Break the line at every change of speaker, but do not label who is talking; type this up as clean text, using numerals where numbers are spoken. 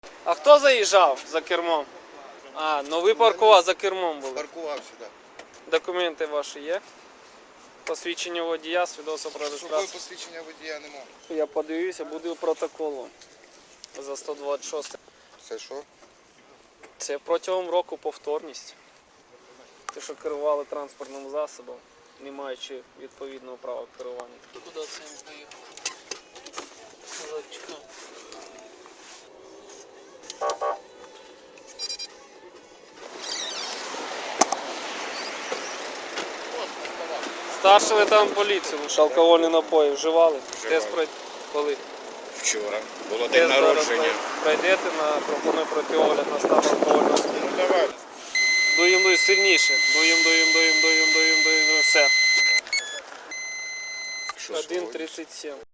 А хто заїжджав за кермом? А, ну ви паркував, за кермом були.
Паркував сюди.
Документи ваші є? Посвідчення водія, свідоцтво про
З собою
реєстрацію.
посвідчення водія немає.
Я подивився, буде протоколу за 126.
Це що?
Це протягом року повторність. Те, що керували транспортним засобом, не маючи відповідного права керування. Куди це він поїхав? Старший лейтенант поліції, що алкогольні напої вживали? Тест коли?
Вчора. Було
Тест зараз пройдете, пропоную пройти огляд на стан алкогольного сп'яніння.
Ну давай.
Дуєм сильніше. Дуєм. Все. 1,37.